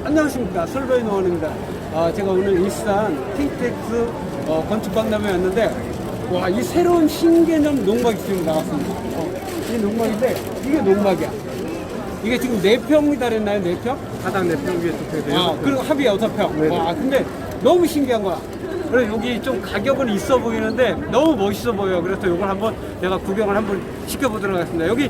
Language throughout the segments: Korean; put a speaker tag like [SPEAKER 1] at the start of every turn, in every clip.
[SPEAKER 1] 안녕하십니까, 설베이 노원입니다. 제가 오늘 일산 킹텍스 건축박람회에 왔는데, 와, 이 새로운 신개념 농막이 지금 나왔습니다. 이 농막인데 이게 농막이야. 이게 지금 4평이 달했나요? 4평?
[SPEAKER 2] 하단 4평 위에 2평.
[SPEAKER 1] 그리고 합이 6평.
[SPEAKER 2] 네.
[SPEAKER 1] 와, 근데 너무 신기한 거야. 그래서 여기 좀 가격은 있어 보이는데 너무 멋있어 보여요. 그래서 이걸 한번 내가 구경을 한번 시켜보도록 하겠습니다. 여기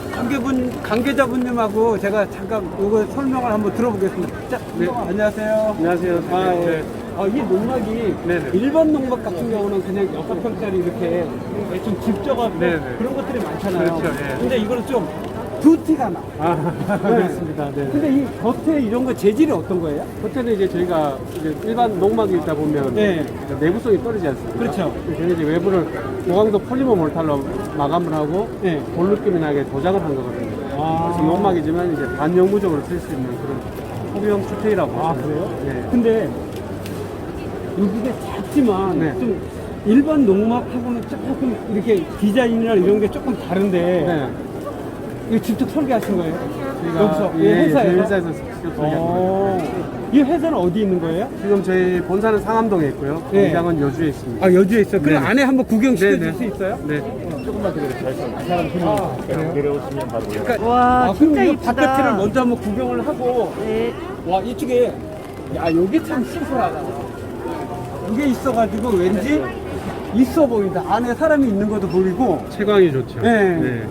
[SPEAKER 1] 관계자분님하고 제가 잠깐 이거 설명을 한번 들어보겠습니다. 자,
[SPEAKER 2] 네.
[SPEAKER 1] 안녕하세요.
[SPEAKER 2] 안녕하세요.
[SPEAKER 1] 예. 이 농막이
[SPEAKER 2] 네네.
[SPEAKER 1] 일반 농막 같은 경우는 그냥 6평짜리 이렇게 좀 집적하고
[SPEAKER 2] 네네.
[SPEAKER 1] 그런 것들이 많잖아요.
[SPEAKER 2] 그렇죠, 예.
[SPEAKER 1] 근데 이거는 좀 두티가 나.
[SPEAKER 2] 그렇습니다. 네.
[SPEAKER 1] 근데 이 겉에 이런 거 재질이 어떤 거예요?
[SPEAKER 2] 호텔은 이제 저희가 이제 일반 농막이 있다 보면
[SPEAKER 1] 네.
[SPEAKER 2] 내부성이 떨어지지 않습니까?
[SPEAKER 1] 그렇죠.
[SPEAKER 2] 저희가 이제 외부를 고강도 폴리머 몰탈로 마감을 하고
[SPEAKER 1] 네.
[SPEAKER 2] 볼 느낌이 나게 도장을 한 거거든요. 그래서 농막이지만 이제 반영구적으로 쓸 수 있는 그런 소비용 주택이라고 보시면
[SPEAKER 1] 그래요?
[SPEAKER 2] 네.
[SPEAKER 1] 근데 여기가 작지만
[SPEAKER 2] 네.
[SPEAKER 1] 좀 일반 농막하고는 조금 이렇게 디자인이나 이런 게 조금 다른데
[SPEAKER 2] 네.
[SPEAKER 1] 이거 직접 설계하신 거예요? 여기서
[SPEAKER 2] 예,
[SPEAKER 1] 회사에서?
[SPEAKER 2] 저희 회사에서 직접 설계한 거예요.
[SPEAKER 1] 이 회사는 어디 있는 거예요?
[SPEAKER 2] 지금 저희 본사는 상암동에 있고요.
[SPEAKER 1] 네.
[SPEAKER 2] 공장은 여주에 있습니다.
[SPEAKER 1] 여주에 있어요. 그럼
[SPEAKER 2] 네.
[SPEAKER 1] 안에 한번 구경시켜
[SPEAKER 2] 네,
[SPEAKER 1] 줄 수 있어요?
[SPEAKER 2] 네.
[SPEAKER 3] 조금만 기다려주세요. 이 사람 손이 내려오시면 바로 올라가요.
[SPEAKER 1] 그러니까,
[SPEAKER 4] 와,
[SPEAKER 1] 그럼
[SPEAKER 4] 진짜
[SPEAKER 1] 이거
[SPEAKER 4] 이쁘다.
[SPEAKER 1] 바깥을 먼저 한번 구경을 하고
[SPEAKER 4] 네.
[SPEAKER 1] 와, 이쪽에 여기 참 시설하다. 이게 있어가지고 왠지 있어 보인다. 안에 사람이 있는 것도 보이고.
[SPEAKER 2] 채광이 좋죠.
[SPEAKER 1] 네.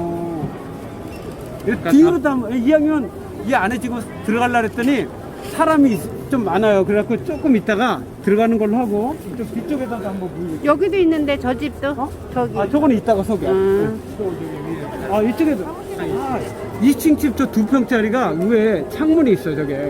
[SPEAKER 1] 뒤로도 한번 이왕이면 이 안에 지금 들어가려고 했더니 사람이 좀 많아요. 그래갖고 조금 있다가 들어가는 걸로 하고 좀 뒤쪽에다가 한번 보여줄게요.
[SPEAKER 4] 여기도 있는데 저 집도 저기.
[SPEAKER 1] 저거는 이따가 소개. 이쪽에도 2층 집 저 2평짜리가 위에 창문이 있어요. 저게.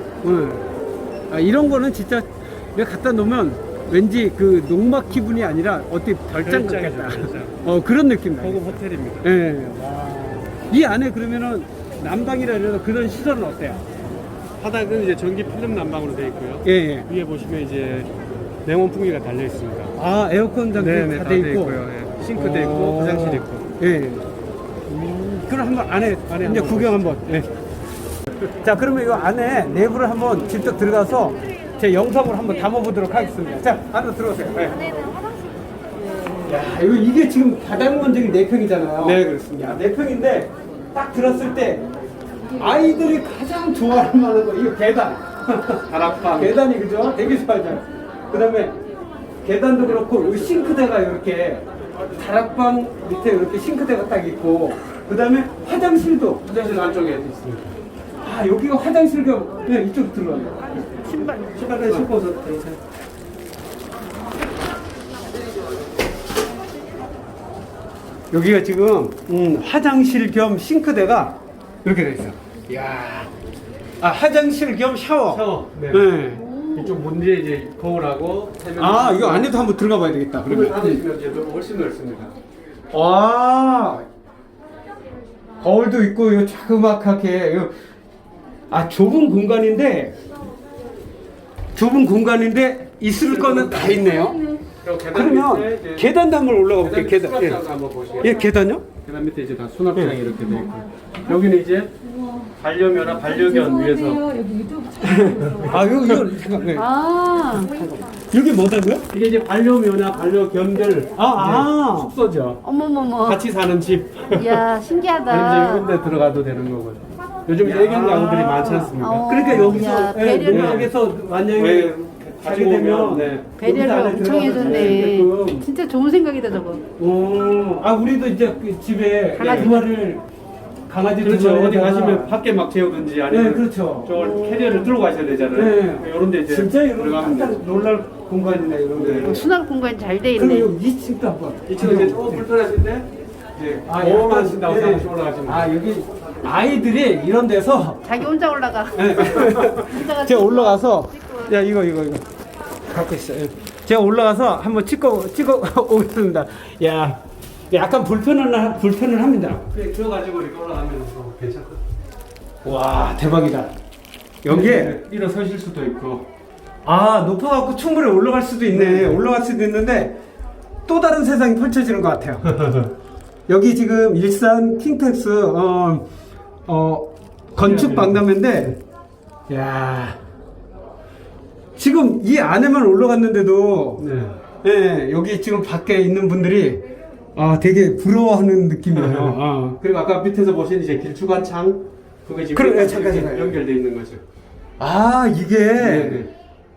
[SPEAKER 1] 이런 거는 진짜 내가 갖다 놓으면 왠지 그 농막 기분이 아니라 어떻게 별장 같겠다. 그런 느낌 나요.
[SPEAKER 2] 고급 호텔입니다.
[SPEAKER 1] 예. 이 안에 그러면은 난방이라 이런 그런 시설은 어때요?
[SPEAKER 2] 바닥은 이제 전기 필름 난방으로 되어 있고요.
[SPEAKER 1] 예.
[SPEAKER 2] 위에 보시면 이제 냉온 풍기가 달려 있습니다.
[SPEAKER 1] 에어컨 장비 다 돼 있고.
[SPEAKER 2] 예. 싱크대 있고 화장실 있고.
[SPEAKER 1] 예. 그럼 한번 안에 이제
[SPEAKER 2] 한번
[SPEAKER 1] 구경 한번. 예. 자, 그러면 이 안에 내부를 한번 직접 들어가서 제 영상으로 한번 담아보도록 하겠습니다. 자, 안으로 들어오세요. 네. 야, 이게 지금 가장 먼저기 4평이잖아요.
[SPEAKER 2] 네, 그렇습니다.
[SPEAKER 1] 4평인데 딱 들었을 때 아이들이 가장 좋아할 만한 거 이거 계단.
[SPEAKER 2] 다락방.
[SPEAKER 1] 계단이 그죠? 되게 좋아하잖아요. 그다음에 계단도 그렇고 여기 싱크대가 이렇게 다락방 밑에 이렇게 싱크대가 딱 있고 그다음에 화장실도
[SPEAKER 2] 화장실 안쪽에 있습니다.
[SPEAKER 1] 여기가 화장실 겸 이쪽 들어가요. 신발을 신고서 여기가 지금 화장실 겸 싱크대가 이렇게 돼 있어. 이야. 화장실 겸 샤워.
[SPEAKER 2] 네.
[SPEAKER 1] 네.
[SPEAKER 2] 이쪽 문제 이제 거울하고
[SPEAKER 1] 이거 안에도 한번 들어가 봐야 되겠다.
[SPEAKER 2] 문을 닫으시면 이제 훨씬 넓습니다.
[SPEAKER 1] 와. 거울도 있고 이거 자그마하게 좁은 공간인데 있을 거는 다 있네요. 그러면 계단도 한번 올라가 볼게요. 계단.
[SPEAKER 2] 수납장도 한번 보시겠어요?
[SPEAKER 1] 예, 계단요?
[SPEAKER 2] 계단 밑에 이제 다 수납장이 이렇게 돼 있고 여기는 이제 반려묘나 반려견 위해서
[SPEAKER 1] 이거 잠깐. 네. 여기 뭐다고요?
[SPEAKER 2] 이게 이제 반려묘나 반려견들 숙소죠.
[SPEAKER 4] 어머머머.
[SPEAKER 2] 같이 사는 집.
[SPEAKER 4] 이야,
[SPEAKER 2] 아니면
[SPEAKER 4] 신기하다.
[SPEAKER 2] 이런 데 들어가도 되는 거고요. 요즘 애견 가구들이 많지 않습니까?
[SPEAKER 1] 그러니까 여기서
[SPEAKER 4] 야, 배려를-
[SPEAKER 1] 농막에서 만약에
[SPEAKER 2] 왜
[SPEAKER 1] 가게
[SPEAKER 2] 가지고
[SPEAKER 1] 되면
[SPEAKER 2] 오면, 네.
[SPEAKER 4] 배려를
[SPEAKER 1] 안에
[SPEAKER 4] 엄청
[SPEAKER 1] 들어가서
[SPEAKER 4] 해줬네.
[SPEAKER 1] 되게끔.
[SPEAKER 4] 진짜 좋은 생각이다, 저거.
[SPEAKER 1] 우리도 이제 그 집에
[SPEAKER 4] 강아지.
[SPEAKER 1] 강아지
[SPEAKER 2] 그렇죠.
[SPEAKER 1] 두
[SPEAKER 2] 어디
[SPEAKER 1] 마리에다가-
[SPEAKER 2] 가시면 밖에 막 재우든지 아니면
[SPEAKER 1] 네, 그렇죠.
[SPEAKER 2] 저 캐리어를 들고 가셔야 되잖아요.
[SPEAKER 1] 네.
[SPEAKER 2] 이런 데 이제
[SPEAKER 1] 진짜 이런
[SPEAKER 2] 들어가면
[SPEAKER 1] 깜짝
[SPEAKER 2] 되죠.
[SPEAKER 1] 놀랄 공간이네 이런 데.
[SPEAKER 4] 수납 공간이 잘 돼
[SPEAKER 1] 그럼
[SPEAKER 4] 있네.
[SPEAKER 1] 여기 2층도 한번.
[SPEAKER 2] 이쪽은 이제 조금 불편하신데 이제 보험하신다고 생각하시고 올라가시면
[SPEAKER 1] 여기 아이들이 이런 데서
[SPEAKER 4] 자기 혼자 올라가.
[SPEAKER 1] 제가 올라가서 이거 갖고 있어요. 제가 올라가서 한번 찍어 오겠습니다. 야, 약간 불편은 합니다.
[SPEAKER 2] 그냥 들어가지고 이렇게 올라가면 괜찮거든요.
[SPEAKER 1] 와, 대박이다. 여기에
[SPEAKER 2] 일어서실 수도 있고
[SPEAKER 1] 높아갖고 충분히 올라갈 수도 있네. 올라갈 수도 있는데 또 다른 세상이 펼쳐지는 것 같아요. 여기 지금 일산 킹텍스 건축 박람회인데 야, 지금 이 안에만 올라갔는데도
[SPEAKER 2] 네.
[SPEAKER 1] 예, 여기 지금 밖에 있는 분들이 되게 부러워하는 느낌이에요.
[SPEAKER 2] 그리고 아까 밑에서 보신 이제 길쭉한 창, 그게 지금
[SPEAKER 1] 그래,
[SPEAKER 2] 이렇게
[SPEAKER 1] 잠깐.
[SPEAKER 2] 연결되어 있는 거죠.
[SPEAKER 1] 이게
[SPEAKER 2] 네.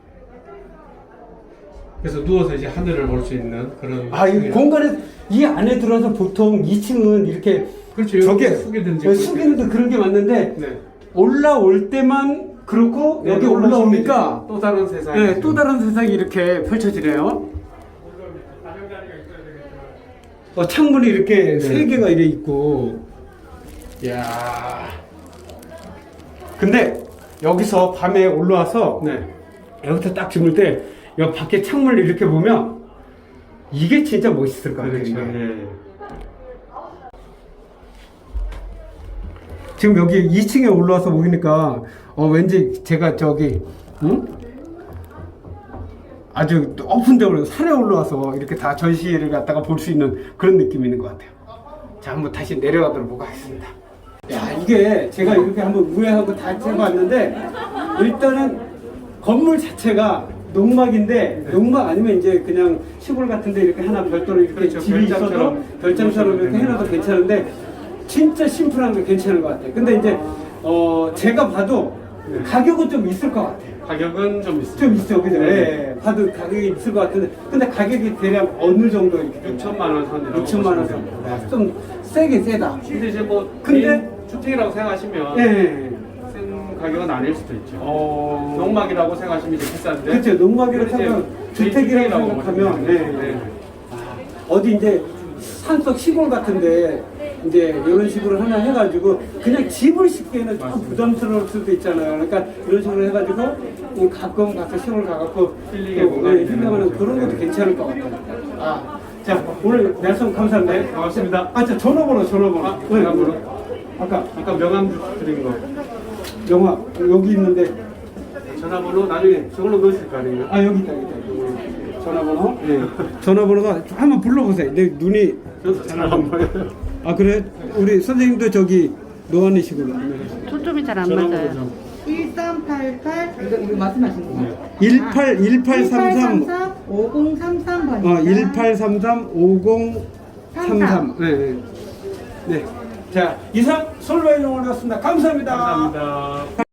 [SPEAKER 2] 그래서 누워서 이제 하늘을 볼 수 있는 그런.
[SPEAKER 1] 이 공간에 이 안에 들어서 보통 2층은 이렇게
[SPEAKER 2] 그렇죠.
[SPEAKER 1] 저게
[SPEAKER 2] 이렇게 숙이든지
[SPEAKER 1] 숙이는 그런 게 맞는데
[SPEAKER 2] 네.
[SPEAKER 1] 올라올 때만 그렇고 여기 올라오니까
[SPEAKER 2] 또 다른 세상이.
[SPEAKER 1] 네, 또 다른 세상이 이렇게 펼쳐지네요. 창문이 이렇게 세 개가 이래 있고, 야. 근데 여기서 밤에 올라와서
[SPEAKER 2] 네.
[SPEAKER 1] 여기서 딱 주물 때 여기 밖에 창문을 이렇게 보면 이게 진짜 멋있을 것 같아요.
[SPEAKER 2] 그렇죠.
[SPEAKER 1] 이게.
[SPEAKER 2] 네.
[SPEAKER 1] 지금 여기 2층에 올라와서 보니까 왠지 제가 저기 아주 높은 데 올라서 산에 올라와서 이렇게 다 전시회를 갖다가 볼 수 있는 그런 느낌이 있는 것 같아요. 자, 한번 다시 내려가도록 하겠습니다. 야, 이게 제가 이렇게 한번 우회하고 다 해봤는데 일단은 건물 자체가 농막인데 농막 아니면 이제 그냥 시골 같은데 이렇게 하나 별도로 이렇게
[SPEAKER 2] 그렇죠.
[SPEAKER 1] 집이 있어도 별장처럼 이렇게 해놔도 괜찮은데 진짜 심플한 게 괜찮은 것 같아요. 근데 이제 제가 봐도 가격은 좀 있을 것 같아요.
[SPEAKER 2] 가격은 좀 있어요.
[SPEAKER 1] 좀 있어, 그죠?
[SPEAKER 2] 네.
[SPEAKER 1] 예, 봐도 가격이 있을 것 같은데, 근데 가격이 대략 어느 정도 이렇게?
[SPEAKER 2] 6천만 원 선이라고.
[SPEAKER 1] 6천만 원
[SPEAKER 2] 보시면
[SPEAKER 1] 선.
[SPEAKER 2] 돼요.
[SPEAKER 1] 좀 세게 세다.
[SPEAKER 2] 근데 이제 뭐
[SPEAKER 1] 근데-
[SPEAKER 2] 개인 주택이라고 생각하시면
[SPEAKER 1] 예.
[SPEAKER 2] 센 가격은 아닐 수도 있죠.
[SPEAKER 1] 어.
[SPEAKER 2] 농막이라고 생각하시면 이제 비싼데.
[SPEAKER 1] 그렇죠. 농막이라고
[SPEAKER 2] 이제
[SPEAKER 1] 생각하면,
[SPEAKER 2] 개인
[SPEAKER 1] 주택이라고
[SPEAKER 2] 주택이라고
[SPEAKER 1] 생각하면,
[SPEAKER 2] 보시면
[SPEAKER 1] 예.
[SPEAKER 2] 돼요.
[SPEAKER 1] 어디 이제 산속 시골 같은데, 이제 이런 식으로 하나 해가지고, 그냥 집을 짓기에는 좀 부담스러울 수도 있잖아요. 그러니까 이런 식으로 해가지고, 가끔 가서 시골 가갖고,
[SPEAKER 2] 힐링의 공간이 되는
[SPEAKER 1] 힐링하는
[SPEAKER 2] 거죠.
[SPEAKER 1] 그런 것도 괜찮을 것 같아요. 자, 오늘 말씀 감사합니다.
[SPEAKER 2] 네, 고맙습니다.
[SPEAKER 1] 전화번호.
[SPEAKER 2] 전화번호.
[SPEAKER 1] 아까
[SPEAKER 2] 아까 명함 드린 거.
[SPEAKER 1] 영화 여기 있는데
[SPEAKER 2] 전화번호 나중에 저걸로 넣으실 거 아니에요?
[SPEAKER 1] 여기 있다. 전화번호. 네. 전화번호가 한번 불러보세요. 내 눈이
[SPEAKER 2] 저도 잘 안 보여요.
[SPEAKER 1] 그래? 우리 선생님도 저기 노안이시구나.
[SPEAKER 4] 초점이 잘 안
[SPEAKER 2] 전화번호
[SPEAKER 4] 맞아요.
[SPEAKER 2] 좀.
[SPEAKER 5] 1388 이거 말씀하신 거
[SPEAKER 1] 1833
[SPEAKER 5] 5033번입니다.
[SPEAKER 1] 1833 5033. 네. 네. 자, 이상 솔바이농을 왔습니다. 감사합니다.
[SPEAKER 2] 감사합니다.